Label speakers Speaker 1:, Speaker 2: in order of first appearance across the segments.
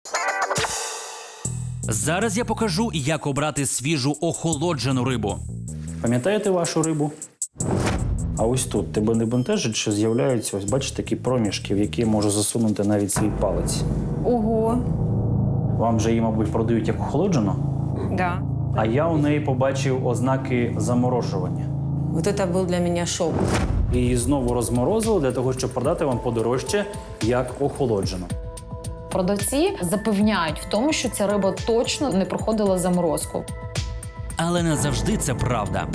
Speaker 1: Зараз я покажу, як обрати свіжу охолоджену рибу.
Speaker 2: Пам'ятаєте вашу рибу? А ось тут тебе не бентежить, що з'являються, ось бачите, такі проміжки, в які можу засунути навіть свій палець.
Speaker 3: Ого.
Speaker 2: Вам же її, мабуть, продають як охолоджену?
Speaker 3: Да.
Speaker 2: А я у неї побачив ознаки заморожування.
Speaker 3: Вот это был для меня шок.
Speaker 2: І її знову розморозили для того, щоб продати вам подорожче, як охолоджену.
Speaker 4: Продавці запевняють в тому, що ця риба точно не проходила заморозку.
Speaker 1: Але не завжди це правда.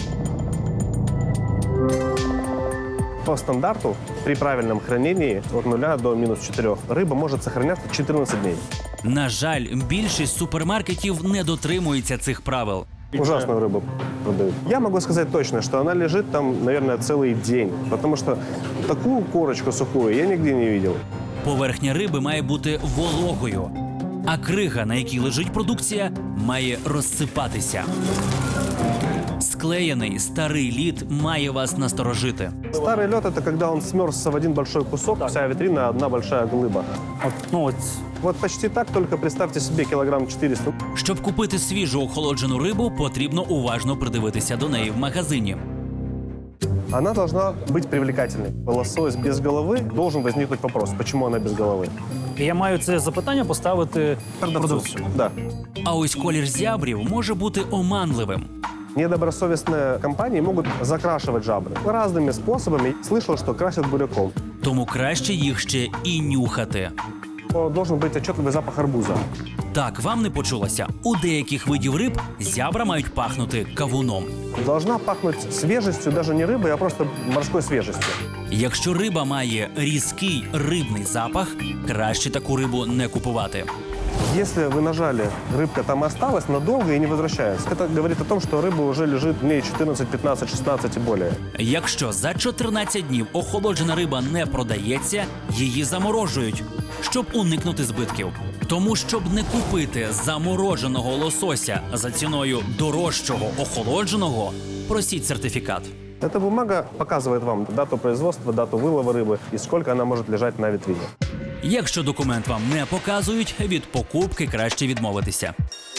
Speaker 5: По стандарту при правильном хранении от 0 до -4 рыба может сохраняться 14 дней.
Speaker 1: На жаль, більшість супермаркетів не дотримується цих правил.
Speaker 5: Ужасную рыбу продают. Я могу сказать точно, что она лежит там, наверное, целый день. Потому что такую корочку сухую я нигде не видел.
Speaker 1: Поверхня риби має бути вологою, а крига, на якій лежить продукція, має розсипатися. Склеєний старий лід має вас насторожити.
Speaker 5: Старый лед – это когда он смерзся в один большой кусок, вся витрина – одна большая глыба.
Speaker 2: От,
Speaker 5: Вот почти так, только представьте себе килограмм 400.
Speaker 1: Щоб купити свіжу охолоджену рибу, потрібно уважно придивитися до неї в магазині.
Speaker 5: Она должна быть привлекательной. Лосось без головы, должен возникнуть вопрос, почему она без головы.
Speaker 2: і я маю це запитання поставити продавцю.
Speaker 5: Да.
Speaker 1: А ось колір зябрів може бути оманливим.
Speaker 5: Недобросовестные компании могут закрашивать жабры разными способами. Слышал, что красят буряком.
Speaker 1: Тому краще їх ще і нюхати.
Speaker 5: Должен быть отчетливый запах арбуза.
Speaker 1: Так, вам не почулося. У деяких видів риб зябра мають пахнути кавуном.
Speaker 5: Должна пахнуть свежестью, даже не рыбой, а просто морской свежестью.
Speaker 1: Якщо риба має різкий рибний запах, краще таку рибу не купувати.
Speaker 5: Если вы нажали, рыбка там осталась надолго и не возвращается. Это говорит о том, что рыба уже лежит дней 14, 15, 16 и более.
Speaker 1: Якщо за 14 днів охолоджена риба не продається, її заморожують, щоб уникнути збитків. Тому, щоб не купити замороженого лосося за ціною дорожчого охолодженого, просіть сертифікат.
Speaker 5: Эта бумага показывает вам дату производства, дату вылова рыбы и сколько она может лежать на витрине.
Speaker 1: Якщо документ вам не показують, від покупки краще відмовитися.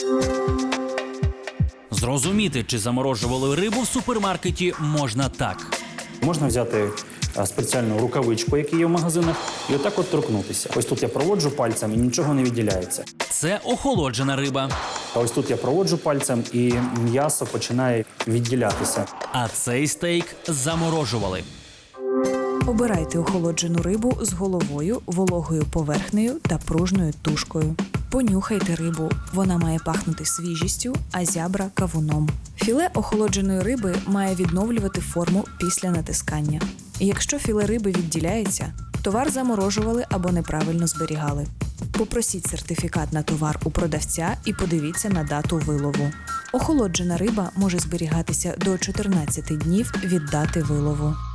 Speaker 1: Зрозуміти, чи заморожували рибу в супермаркеті, можна так.
Speaker 2: Можна взяти спеціальну рукавичку, яка є в магазинах, і отак от торкнутися. Ось тут я проводжу пальцем і нічого не відділяється.
Speaker 1: Це охолоджена риба.
Speaker 2: А ось тут я проводжу пальцем і м'ясо починає відділятися.
Speaker 1: А цей стейк заморожували.
Speaker 6: Обирайте охолоджену рибу з головою, вологою поверхнею та пружною тушкою. Понюхайте рибу, вона має пахнути свіжістю, а зябра – кавуном. Філе охолодженої риби має відновлювати форму після натискання. Якщо філе риби відділяється, товар заморожували або неправильно зберігали. Попросіть сертифікат на товар у продавця і подивіться на дату вилову. Охолоджена риба може зберігатися до 14 днів від дати вилову.